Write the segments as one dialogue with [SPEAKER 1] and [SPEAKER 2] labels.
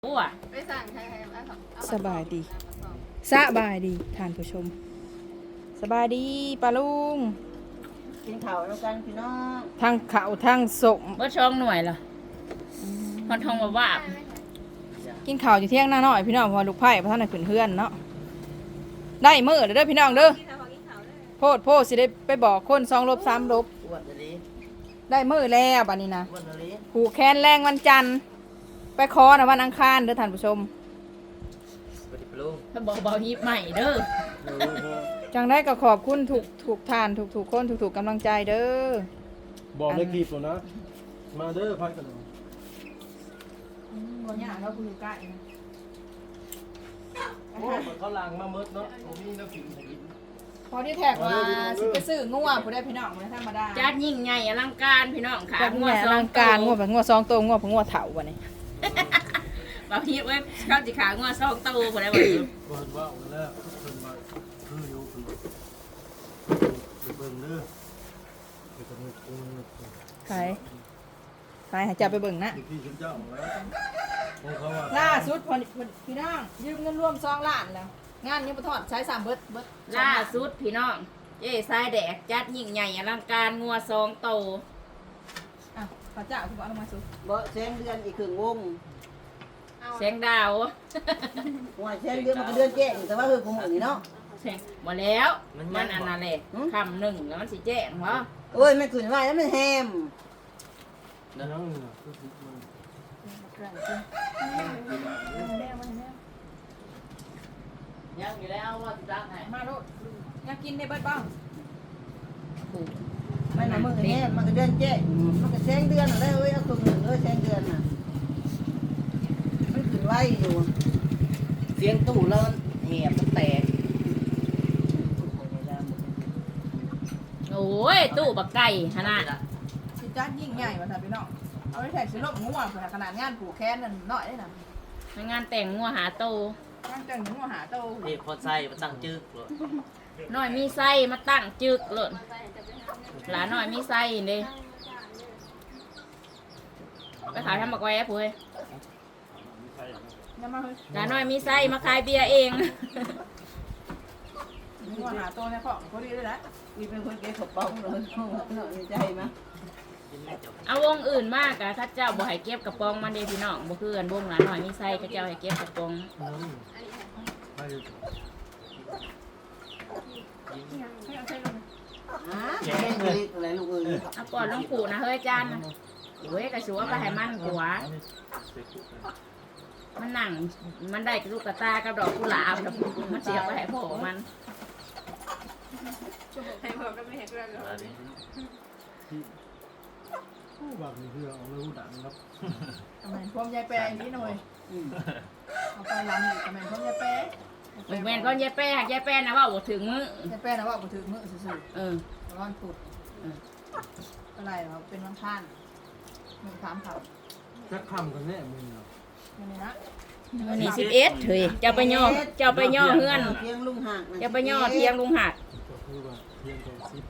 [SPEAKER 1] ไปสั่งใคร
[SPEAKER 2] สบายดีท่านผู้ชมสบายดีปลาลุง
[SPEAKER 3] กินข้าวแล้วกันพี่น้อง
[SPEAKER 2] ทั้งข้าวทั้งสม
[SPEAKER 4] บ่ช่องหน่วยเหรอฮอดทองว่า
[SPEAKER 2] กินข้าวอยู่เที่ยงหน้าน้อยพี่น้องเพอลูกไผ่พระท่านน่ะขึ้นเฮือนเนาะได้มื้อเด้อพี่น้องเด้อโพดสิได้ไปบอกคน2ลบ3ลบ
[SPEAKER 3] อ้วนเลย
[SPEAKER 2] ได้มื้อแล้วบัดนี้นะ
[SPEAKER 3] อ้วนเลย
[SPEAKER 2] ผูกแขนแรงวันจันทร์ไปขอนะวันอังคารเด้อท่านผู้ชม
[SPEAKER 3] สวัสดีปลุง
[SPEAKER 4] ถ้าบอกเบาฮิปใหม่เด้อ
[SPEAKER 2] จังได้ก็ขอบคุณทุกท่านทุกคนทุกกำลังใจเด้อ
[SPEAKER 5] บอกในคลิปแล้วนะ มาเด้อพักกันหน่อย
[SPEAKER 2] บ่ยากแล้วกูอยู่ใกล้นะ
[SPEAKER 5] โอ้มันเขาล้างมาเมิดเนาะผมมีน้ำผิวให้กิน
[SPEAKER 2] พอที่แท็กว่าสิไปซื้องัวผู้ได้พี่น้องบ่ได้ธรรมดา
[SPEAKER 4] จัดยิ่งใหญ่อลังการพี่น้องค่ะ
[SPEAKER 2] จัดเนี่ยอลังการงัวแบบงัว2ตัวงัวผงงัวเถาบัดนี้
[SPEAKER 4] เบาฮิปเว้ยเข้าสิขางัว2ตัวบ่ได้บ่อยู่
[SPEAKER 5] เปิดว่าเอาแล้วเพิ่นมาคืออยู่เพิ่นไปเบิ่งเด้อไปกระนึกเบิ่ง
[SPEAKER 2] ไปหาจับไปเบิ่งนะ
[SPEAKER 5] ที่ฉันเจ้าเอาแล้วของเขาว่า
[SPEAKER 2] ล่าสุดพอพี่น้องยืมเงินร่วม2ล้านแล้ว งานยังบ่ทอดใช้3เบิด
[SPEAKER 4] ล่าสุดพี่น้องเย้ทรายแดกจัดยิ่งใหญ่อลังการงัว2ตัว
[SPEAKER 2] อ่ะพระเจ้าคุณบอกลงมาสุด
[SPEAKER 3] บ่แซงเดือนอีกครึ่งวง
[SPEAKER 4] แสงดาว
[SPEAKER 3] ว่าแซงเดือนมันก็เดือนแจ้งแต่ว่าคือของมึงนี่เนาะ
[SPEAKER 4] แสงบ่แล้วมันอันนั้นแหละคำหนึ่งแล้วมันสิแจ้งเหรอ
[SPEAKER 3] โอ้ยมันขึ้นไว้แล้วมันแฮม
[SPEAKER 5] นั่นน่ะคือมัน
[SPEAKER 4] ยังอยู่แล้วว่าสิรักให้
[SPEAKER 2] มาโลดอยากกินในเบิดบ้าง
[SPEAKER 3] มันน่ะมึงแฮมมันก็เดือนแจ้งมันก็แซงเดือนอะไรเอ้ยเอาครึ่งหนึ่งแซงเดือนน่ะมันขึ้นไว้อยู่เสียงตู้แล้วแหบมันแตก
[SPEAKER 4] โอ้ยตู้บักไก่ขนาด
[SPEAKER 2] สิจ้ายิ่งใหญ่ว่าท่านพี่น้องเอาไปแท็กสิลบงัวขนาดงานผูกแขนนั่นน้อยได้น่ะ
[SPEAKER 4] งานแต่งงัวหาโต
[SPEAKER 2] งานจังงัวหาโต
[SPEAKER 6] นี่พอใส่มาตั้งจึกเลย
[SPEAKER 4] น้อยมีไส้มาตั้งจึกเลยหลานน้อยมีไส้เด้ไปขายทำบักแวะผู้เฮ้ย
[SPEAKER 2] อย่ามาเฮ้ย
[SPEAKER 4] หลานน้อยมีไส้มาขายเบียร์เอง
[SPEAKER 2] งัวหาโตในของพอดีเลยนะ
[SPEAKER 3] มีเป็นคนเก็บขบป้องเลยในใจมั้ย
[SPEAKER 4] เอาวงอื่นมากอะถ้าเจ้าบ่ให้เก็บกระป๋องมันเด้พี่น้องบ่คือกันวงหลานน้อยมีไส้ก็เจ้าให้เก็บกระป๋อง
[SPEAKER 5] นั่นไป
[SPEAKER 3] แกงเลยอะไรลูกเอ้ย
[SPEAKER 4] เอาก่อนลงปู่นะเฮ้ยจานนะเว้ยกระชัวไปให้มันกว่ามันหนังมันได้กระลูกกระตากับดอกกุหลาบแล้วมันเสียไปให้พ่อมัน
[SPEAKER 1] ให้พ่อก็ไม่เห็นเรื่องหรอก
[SPEAKER 6] อันนี้
[SPEAKER 5] ผู้บักนี่คือเอาเลยดังครับ
[SPEAKER 2] ทำไมพร้อมยายแปรอย่างนี้หน่อยเอาไปลำอีกทำไมพร้อมยายแปร
[SPEAKER 4] ลูกแม่นก็ยายแป้ยายแป้นะว่าบ่ถึงมื้อย
[SPEAKER 2] ายแปรนะว่าบ่ถึงมื้อซื่อ
[SPEAKER 4] เออ
[SPEAKER 2] ๆร้อนปุดอะไรเหรอเป็นวันท่านมึงถามเขา
[SPEAKER 5] จะคำกันแน่มึงเนาะ
[SPEAKER 2] ไม่นี่นะ
[SPEAKER 4] มื้อนี้11เฮ้ยเจ้าไปย่อเฮือน
[SPEAKER 3] เทียงลุงหัก
[SPEAKER 4] เจ้าไปย่อเทียงลุงหัด
[SPEAKER 5] ก็คือว่าเพียงแต่10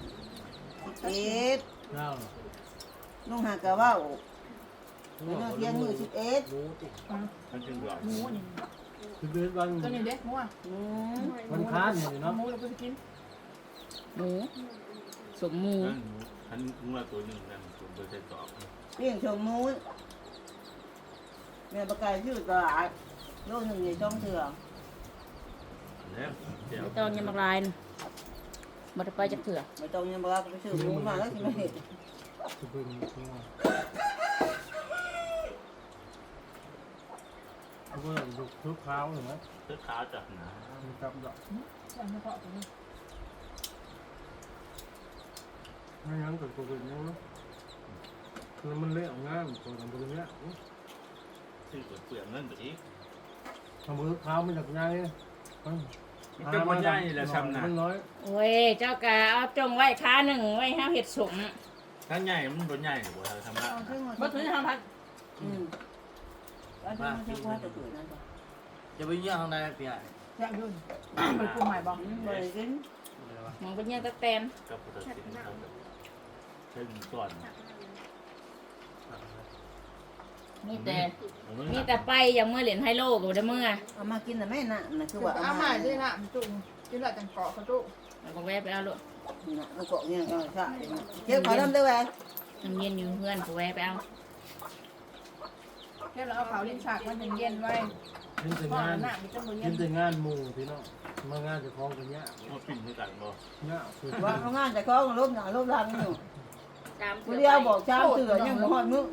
[SPEAKER 3] 11
[SPEAKER 5] เก้า
[SPEAKER 3] ลุงหักก็ว่าเทียงมือ11
[SPEAKER 5] รู้ติ
[SPEAKER 2] หมูนี่
[SPEAKER 5] คือเดือนวัน
[SPEAKER 2] ตัวนี้เด็กหมูอ่ะ
[SPEAKER 5] วันค้านนี่เนาะ
[SPEAKER 2] หมูเราก็จะกิน
[SPEAKER 4] หมูสมหมู
[SPEAKER 6] อันงัวตัวหนึ่งนั่นตัวเบอร์ใส่ตอบ
[SPEAKER 3] เลี้ยงชมมูนแม่ประกาศชื่อตลาดโลนึงอย่าจ้องเถื่อ
[SPEAKER 6] แล้วเดี๋ยว
[SPEAKER 4] ไม่ต้องยังบักลายนะบ่ได้ไปจักเถื่อ
[SPEAKER 3] ไม่ต้องยังบอกไปซื้อหมูมาแล้วสิมาเห็ด
[SPEAKER 5] จะเป็นตัวเขาก็ดูทุกคราวเลยนะ
[SPEAKER 6] เสื้อขาวจับหนา
[SPEAKER 5] มีกับดอก
[SPEAKER 2] ใส่เฉพาะตัวนี้
[SPEAKER 5] ไม่งั้นก็ตัวเป็นยังแล้วมันเละง่ายตัวทำตัวเนี้ย
[SPEAKER 6] ซื้อเปลือกเงินไปอีก
[SPEAKER 5] ทำมือเท้ามันจากไง
[SPEAKER 6] มันก็บ่ใหญ่แหละซ้ำน่ะ
[SPEAKER 5] มันน้อย
[SPEAKER 4] โอ้ยเจ้ากะเอาจงไว้ค้าหนึ่งไว้ห้าเห็ดสม
[SPEAKER 6] ถ้าใหญ่มันบ่ใหญ่หรอกบ่ทำละ
[SPEAKER 3] เอาขึ้นมา
[SPEAKER 2] บ่ถึงห้าพัน
[SPEAKER 3] แล้วที่มันชื่อว่าจะเกิดนั่นจ้ะ
[SPEAKER 6] จะไปย่างได้พี่ใหญ่
[SPEAKER 2] แซ่บยุ่นไปปรุงใหม่บ่
[SPEAKER 3] บริกิน
[SPEAKER 4] มองเป็นยังตะแตน
[SPEAKER 6] กับพุทธศิลป์เขาถึงก่อน
[SPEAKER 4] มีแต่ไปยังเมื่อเหรียญไฮโลก็บ่ได้เมื่อ
[SPEAKER 3] เอามากินน่ะแม่น่ะน่ะคือว่า
[SPEAKER 1] เอาใหม่ด้วยนะจุ่มกินหลังจังเกาะเขาจุ่ม
[SPEAKER 4] แล้วก็แวะไปเอาลูก
[SPEAKER 3] น่ะมันเกาะเนี่ยใช่เก็บขอน้ำด้วยแหวน
[SPEAKER 4] น้ำเย็นอยู่เพื่อนก็แวะไปเอา
[SPEAKER 2] เรียบร้อยเอาเผาลิ้นฉากมันเย็นๆไว้
[SPEAKER 5] กินแต่
[SPEAKER 2] พ่อง
[SPEAKER 5] าน
[SPEAKER 2] หน้ามีต้นมือเย็
[SPEAKER 5] กิ
[SPEAKER 2] น
[SPEAKER 5] นแต่งานหมู่พี่น้องมางานจะคล้องกันเนี้ย
[SPEAKER 6] มาปิ่นด้วยกันบ่
[SPEAKER 5] เนี้ยคือ
[SPEAKER 3] ว่าเขางานจะคล้องลบหนาลบหลังอยู่
[SPEAKER 4] ตาม
[SPEAKER 3] ผู้เดียวบอกช้างเสือยังบ่ฮอดมื้อ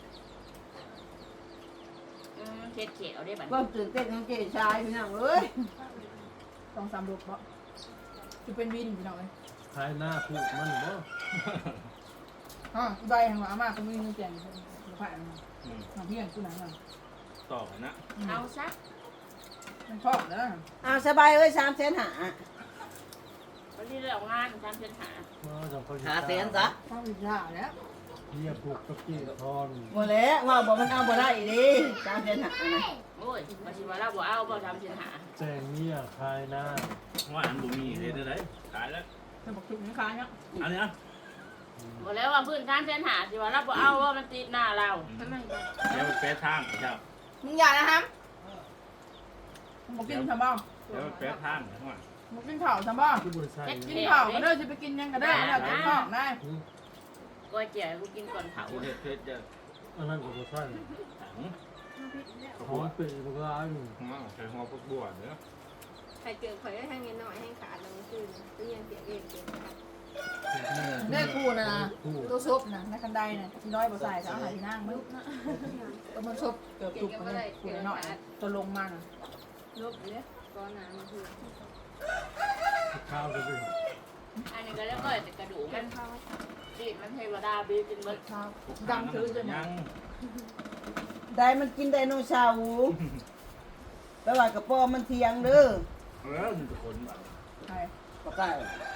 [SPEAKER 4] เช็ดเขียวได้บัด
[SPEAKER 3] ความตื่นเต้นของเจ๊ชายพี่น้องเอ้ย
[SPEAKER 2] ต้องสามลูกบ่จะเป็นวินพี่น้องเลย
[SPEAKER 5] ขายหน้าพูดมันบ่
[SPEAKER 2] อ๋ออีใบทางว่าอาม่าก็มีเงินเปลี่ยนหรือผ่านมาเพียงกูหนังอ่ะ
[SPEAKER 6] ต่อกันนะ
[SPEAKER 4] เอาซะ
[SPEAKER 2] มันชอบเด้อ
[SPEAKER 3] เอาสบายเอ้ย300,000หา
[SPEAKER 4] วันนี้เรางานทำเส้นหา
[SPEAKER 5] มาจังคน
[SPEAKER 3] หาแสนซะ
[SPEAKER 2] ชอบวิชาแล้ว
[SPEAKER 5] เฮียผูกกับกี้ทอน
[SPEAKER 3] บ่แล้วว่าบ่มันเอาบ่ได้ดิ300,000หานะ
[SPEAKER 4] โอ้ยมาชิว่าเราบ่เอาบ่ทำเส้นหา
[SPEAKER 5] แจงเมียขายหน้า
[SPEAKER 6] ว่าอันบ่มีเลยได้ตายแล้ว
[SPEAKER 2] จะบอกจุกนี้ค้าเนี่ย
[SPEAKER 6] อันนี้นะ
[SPEAKER 4] บ่แล้วว่าพื้นทำเส้นหาชิว่าเราบ่เอาว่ามันติดหน้าเรา
[SPEAKER 6] เดี๋ยวแปะทางครับ
[SPEAKER 2] มึงอย่านะครับมึงบอกกินทำบ้าง
[SPEAKER 6] เดี๋ยวแปะทางข้างหลัง
[SPEAKER 2] มึงกินข้าวทำบ้าง
[SPEAKER 5] ที่บริษัท
[SPEAKER 2] กินข้าวก็ได้จะไปกินยังก็ได้แล้วกินข้าวได้
[SPEAKER 4] ก้อยเจี๋ยวกูกินก่อนเผา
[SPEAKER 6] เอาเฮ็ดจะ
[SPEAKER 5] อันนั้นก็บริษัท
[SPEAKER 6] ถัง
[SPEAKER 5] หอมเปรี้ยวมันร้ายอยู่
[SPEAKER 6] ใช้หัวพวกบัวเนื้อ
[SPEAKER 1] ใครเจอข่อยได้ทางนี้หน่อยให้ขาดลงคืนก็ยังเสียเองเกิน
[SPEAKER 2] ได้คู่นะตัวซุปนะในคันไดนะที่น้อยบ่ใส่จะเอาหาที่นั่งมึงตัวมันซุปเกือบจุกเลยคู่หน่อยตัวลงมาน่ะ
[SPEAKER 1] ลบเลยก้อนน้ำคือ
[SPEAKER 5] ข้าวจะเป็น
[SPEAKER 4] อันนี้ก็แล้วก็แต่กระดูกมันดิมันเทวดาบีกินเบิด
[SPEAKER 2] ข้าวดังถือจน
[SPEAKER 6] ยัง
[SPEAKER 3] ได้มันกินไดโนเสาร์แปลว่ากระป๋อมันเที่ยงเด้อ
[SPEAKER 6] มันจะคนแบบ
[SPEAKER 2] ใช่
[SPEAKER 3] บ่ใกล้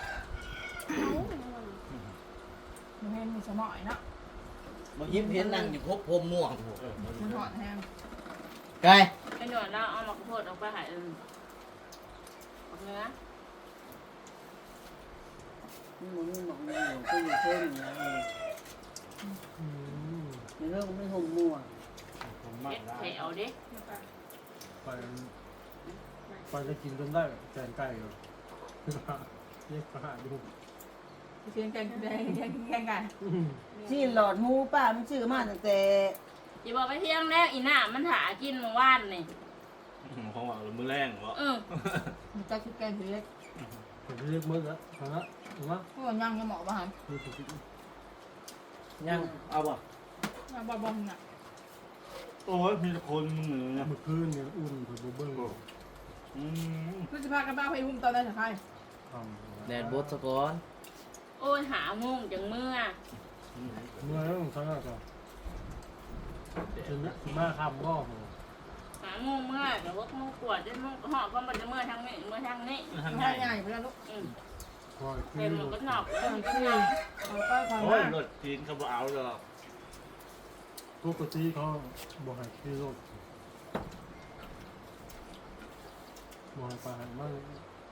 [SPEAKER 2] มันให้มีสมอยเนาะ
[SPEAKER 3] บ่ยิ้มเห็นนั่งอยู่พบพรมม่วง
[SPEAKER 2] มันหอนแห้ง
[SPEAKER 3] ไกล
[SPEAKER 4] ไอ้หนวดเราเอามาข้าวโพดออกไปหายเนื้อ
[SPEAKER 3] มันมีหมองอยู่ก็อยู่เพิ่มนะในเรื่องไม่ห่มม่วง
[SPEAKER 6] ผมมาก
[SPEAKER 4] เฮ็ด
[SPEAKER 6] ได้
[SPEAKER 4] แถวดิ
[SPEAKER 5] ไปจะกินจนได้แกงไก่เลยเรียกป้าดู
[SPEAKER 2] เชียงแกงแดงแกงไก่
[SPEAKER 3] ที่หลอดหมูป้ามันชื่อมาตั้งแต่
[SPEAKER 4] อย่าบอกไปเที่ยงแล้วอีหน้ามันถากินเมื่อวานนี่
[SPEAKER 6] ของว่ามือแรงวะ
[SPEAKER 2] มันจะคิดแกงถือเล็ก
[SPEAKER 5] ผมเรียกมือแล้วนะถูกไหม
[SPEAKER 2] พวกย่างยังเหมาะป่ะฮะ
[SPEAKER 5] คือสุด
[SPEAKER 3] ยังเอาบ่
[SPEAKER 2] ย่างบ้าๆน่ะ
[SPEAKER 6] โอ้ยมีแต่คนมึงเหนือเนี่ย
[SPEAKER 5] เมื่อคืนเนี่ยอุ่นผมเบิ้ง
[SPEAKER 2] คือจะพากันบ้าไปหุ้มตอนนั้นจะใคร
[SPEAKER 5] ทำ
[SPEAKER 3] แดดบดสะก้อน
[SPEAKER 4] โอ้ยหาโมงจังเมื่อ
[SPEAKER 5] เมื่อแล้วทั้งนั้นก็ถึงมาคำก็
[SPEAKER 4] หาโมงเมื่อแต่ว่าโมงกวดจนโมงหอบเพราะมันจะเมื่อทางนี้เมื่อทางนี้
[SPEAKER 6] ทาง
[SPEAKER 2] ใช่
[SPEAKER 6] ใหญ่
[SPEAKER 2] ใหญ่ไปแล้วลูก
[SPEAKER 5] คอยคื
[SPEAKER 4] เต็
[SPEAKER 5] อ
[SPEAKER 4] มก็หนอก
[SPEAKER 2] ก็คือเขาก็ความ
[SPEAKER 6] โอ้ย
[SPEAKER 2] มาก
[SPEAKER 6] รถจีนเขาบอกเอาเลย
[SPEAKER 5] ปกติเขาบอกให้ขี่รถบอกให้ไปมั่ง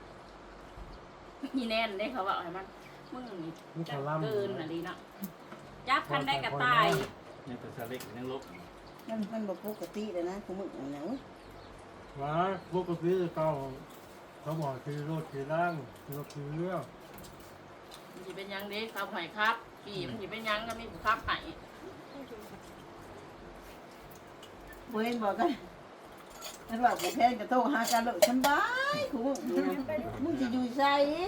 [SPEAKER 4] อีแน่นได้เขาบอกให้มันมึงนี่จับเกินอะไรเนาะจับคันได้กระตาย
[SPEAKER 6] นี่เป็นสลิกยังลบ
[SPEAKER 3] มันบ่ปกติเลยนะคุณมึงหยัง
[SPEAKER 5] ว่าปกติเขาบอกขี่รถขี่ล่างขี่รถขี่เรือ
[SPEAKER 4] มันจะเป็นยังเด็กเขาหอยครับขี่มันจะเป็นยังก็มีผู้ขับไห้
[SPEAKER 3] บ่เห็นบอกกันนั่นว่าบ่แพงจะโทรหากันเลยสบายคุณมึงสิอยู่ไส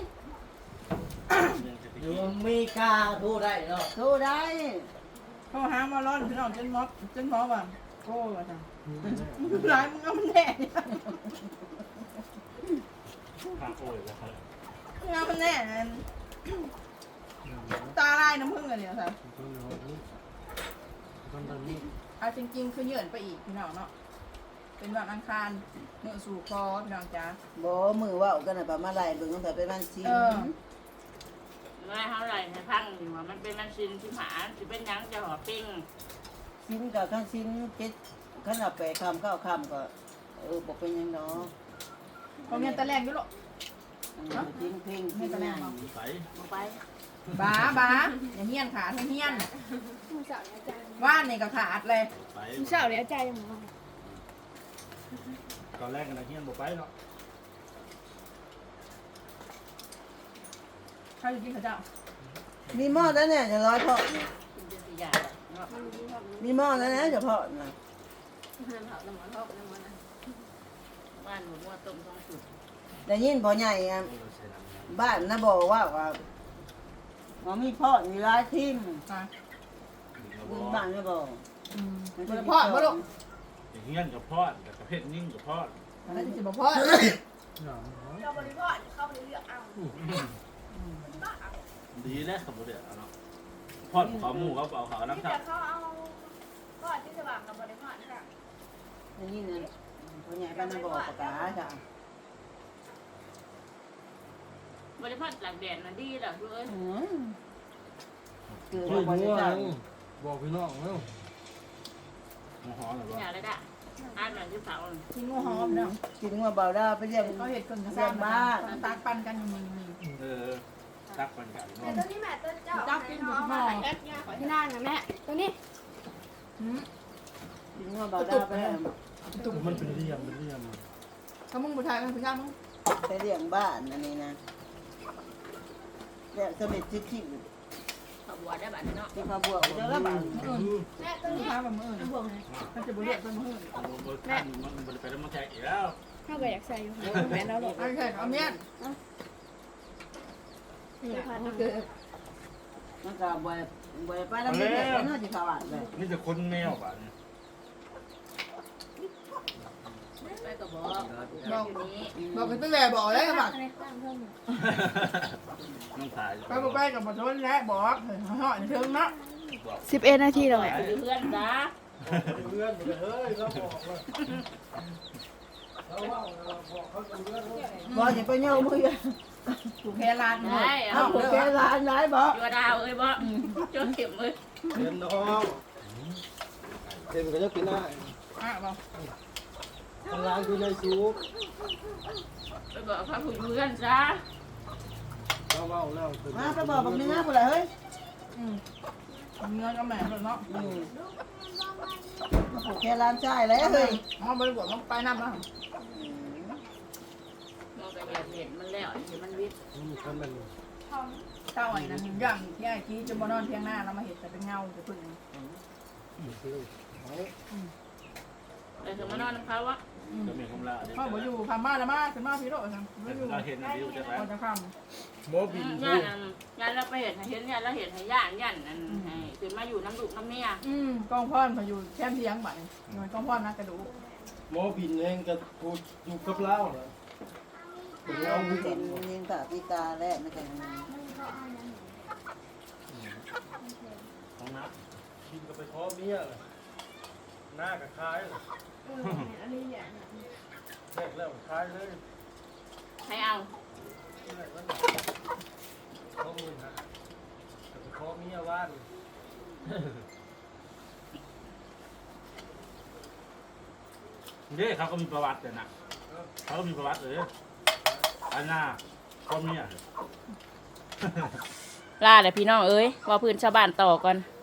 [SPEAKER 6] อยู่
[SPEAKER 3] อเมริกาโทรได้เนาะโทรได้
[SPEAKER 2] เขาหามาร้อนพี่น้องจนมอบว่ะโอ้ว่ะจ้ะร้ายมึงเอามันแน่
[SPEAKER 6] ทางโอ้ยแล้ว
[SPEAKER 2] มึงเอามันแน่ตาลายน้ำผึ้งอะไรเนี่ยค่ะ
[SPEAKER 5] ตอนนี้
[SPEAKER 2] เอาจริงๆคือเหยื่อไปอีกพี่น้องเนาะเป็นวันอังคารเนื้อสู่คอพี่น้องจ้า
[SPEAKER 3] บ่มือเว้ากันน่ะประมาณไรเบิ่งตั้งแต่เป็นวันศิล
[SPEAKER 4] ไม่เท่าไหร่ในพังอยู่ว่ามันเป็นมันซินที่หาจะเป็นยังจะห่อปิ้ง
[SPEAKER 3] ศิลกับขั้นศิล7ขั้นเอาไปคำเข้าคำก็บ่เป็นหยังเนาะ
[SPEAKER 2] เขาเรียนตะแรงอยู่หรอก
[SPEAKER 3] จริงเพลง
[SPEAKER 2] ไม่ตะแรงหรอก
[SPEAKER 6] ไป
[SPEAKER 4] ลงไป
[SPEAKER 2] บ้าอย่าเฮี้ยนขาให้เฮี้ยน
[SPEAKER 1] มือสาวอาจารย์
[SPEAKER 2] ว่านนี่ก็ขาดเลย
[SPEAKER 6] ไป
[SPEAKER 1] ผู้สาวเนี่ยใจยังบ่
[SPEAKER 6] ตอนแรกกันนะเฮียนบอกไปเนาะ
[SPEAKER 2] ข้าวอยู่กินข้าวเจ้า
[SPEAKER 3] มีหม้อแล้วเนี่ยจะร้อยเพาะ
[SPEAKER 4] กินเป็นสิยาเนาะ
[SPEAKER 1] มันมีความ
[SPEAKER 3] มีหม้อแล้วนะเฉพาะนะ
[SPEAKER 1] ห้ามเผาน้ำมันทอกน้ำมันนะ
[SPEAKER 4] บ้านหมูมั่วต้มท้องสุด
[SPEAKER 3] แต่ยินพอใหญ่อะ
[SPEAKER 6] เราใส่น้ำ
[SPEAKER 3] บ้านนะบอกว่ามีพ่อมีร้ายทิ่ม
[SPEAKER 2] อ่ะ
[SPEAKER 6] เราบ
[SPEAKER 3] บ้านไม่บอก
[SPEAKER 2] มันจะพ่อบ่ลูก
[SPEAKER 6] เฮียนกับพ่อกับประเภทนิ่งกับพ่อ
[SPEAKER 2] แล้วจะบอกพ่อ
[SPEAKER 1] เราบริโภคเข้าไปเลือกเอา
[SPEAKER 6] ดีแล้วสมบูรณ์เนาะพ่อขอหมูเขาเอาเขาน้ำ
[SPEAKER 1] ที่
[SPEAKER 6] ทับ
[SPEAKER 1] จะเขาเอาก็ที่จะวางกับบริโภคค่ะ
[SPEAKER 3] แต่ยินเนี่ยพอใหญ่บ้านนะบอกประกาศจ้ะ
[SPEAKER 4] บริพัตรหลักแดดมันดีแหละเพื่อน
[SPEAKER 3] เกิด
[SPEAKER 5] เฮ้
[SPEAKER 3] มาย พอ
[SPEAKER 5] งัว
[SPEAKER 3] จะ
[SPEAKER 5] บอกพี่น้องแล้ว
[SPEAKER 6] หมูหอมหรือ
[SPEAKER 4] อย่า
[SPEAKER 6] เปล่า
[SPEAKER 4] เลยด่ะอ่านหนังที่เสา
[SPEAKER 2] กินงูหอมเนาะ
[SPEAKER 3] กินงัวเบาได้ไปเรียก
[SPEAKER 2] เขาเห็ดคนกระซ่างบ้านตักปันกันอยู่นี่
[SPEAKER 6] ตักมันกัน
[SPEAKER 1] แต่ตัวนี้แม่ตัวเจ้าเอามาแอปยาขอที่นั่งนะแม่ตัวนี้
[SPEAKER 3] กินงัวเบาได้ไป
[SPEAKER 5] มันเป็นเรียมเป็นเรียม
[SPEAKER 2] เขามึงผู้ชายกันผู้ชายมึง
[SPEAKER 3] ไปเลี้ยงบ้านอันนี้นะแล้วสมิทจิ๊ก
[SPEAKER 4] ขบวนได้บัดเนาะ
[SPEAKER 3] ที่เขาบวกเจ้าละบาท
[SPEAKER 1] แม่ตัว
[SPEAKER 2] ผู้
[SPEAKER 1] นี้
[SPEAKER 2] ชายแบบมือมันจะบุเรียกเป็นมือ
[SPEAKER 6] แม่มันไปแล้วมันแทกอีกแล้ว
[SPEAKER 1] เขาก็อยากใส่อยู่แม่เราหลบ
[SPEAKER 2] โอเคเอาเมียน
[SPEAKER 1] เกิด
[SPEAKER 3] มันก็บ่ไปแล้วไม่ได้เนาะที่เขาอ่านเลย
[SPEAKER 6] นี่จะคนแมวบ้าน
[SPEAKER 4] ไปก็บอก
[SPEAKER 2] บอก
[SPEAKER 4] อยู่นี้
[SPEAKER 2] บอกกันตั้งแต่บอกเลยครับ
[SPEAKER 6] น้องถ่าย
[SPEAKER 2] ไปบอกไปกับมาชนและบอกเฮ้ยห่อในเชิงเนาะ
[SPEAKER 1] 11 นาทีแล้ว
[SPEAKER 4] ไปอยู่เพื่อนจ้า
[SPEAKER 5] เพื่อนเฮ้ยเราบอกว่าเราว่าบอกเขาเพื่อน
[SPEAKER 3] บ่จะไปเย่ามือ
[SPEAKER 2] ถูกแค่ลานเลย
[SPEAKER 4] ได้
[SPEAKER 3] เอา
[SPEAKER 4] เอา
[SPEAKER 3] แกร้านไหนบ่
[SPEAKER 4] จัวดาวเอ้ยบ่จัวเข็มเอ้ย
[SPEAKER 5] เรียนน้องเต็มก็จะกินได้
[SPEAKER 2] อ่ะบอก
[SPEAKER 5] ทำงานอยู่ในซุป
[SPEAKER 4] ไปบอกเขาผู้เพื่อนจ้า
[SPEAKER 5] เราเมาแล้ว
[SPEAKER 3] มาไปบอกแบบนี้นะผู้ใดเฮ้ย
[SPEAKER 2] เงินก็แม่เนาะ
[SPEAKER 3] แค่ร้านจ่ายแล้วเฮ้ย
[SPEAKER 2] มันบริบทมันไปน้ำนะ
[SPEAKER 4] มองไปเห็นมันแล้วเห็นมันวิทย์
[SPEAKER 5] ท่านมัน
[SPEAKER 2] เจ้าไอ้นั่นย่างที่ไอ้ที่จะมานอนเที่ยงหน้าแล้วมาเห็นแต่เป็นเงาจะพึ่ง
[SPEAKER 4] แต่ถึงมานอนน้ำเขาวะ
[SPEAKER 6] จะมีคำลา
[SPEAKER 2] พ่อบอกอยู่พามาแล้วมาขึ้นมาพี่โรจน์ไม่อยู่
[SPEAKER 6] เราเห็นวิวจะไป
[SPEAKER 2] พอจะค
[SPEAKER 5] โมบิน
[SPEAKER 4] ย่านย่านเราไปเห็นเห็นย่านเราเห็นให้ย่านนั่นให้ขึ้นมาอยู่น้ำดุน้ำเมีย
[SPEAKER 2] ำกองพ่อนพออยู่แคมป์เที่ยงบ่ายหน่วยกองพ่อนนะกระดูก
[SPEAKER 5] โมบินเองกับกูอยู่กับเล่าเหรอเป็นเล่า
[SPEAKER 3] เอา
[SPEAKER 5] ด้วยกั
[SPEAKER 3] ดิ
[SPEAKER 5] น
[SPEAKER 3] นยิงตาพิกาแล้วไม่ใช่
[SPEAKER 6] ของน้
[SPEAKER 5] กินก็ไปท้อเมียเลยหน้ากับคล้ายเลย
[SPEAKER 1] อันนี้เนี่ย
[SPEAKER 5] แรกแล้วคล้ายเลย
[SPEAKER 4] ให้เอา
[SPEAKER 5] ที่ไหนวะท้อมือฮะแต่ไปท้อเมียว่าน
[SPEAKER 6] ำนี่เขาก็มีประวัติเลยนะเขาก็มีประวัติเลยอันน่าคนเนี่ย
[SPEAKER 4] ลาเลยพี่น้องเอ้ยว่าพื้นชาวบ้านต่อก่อน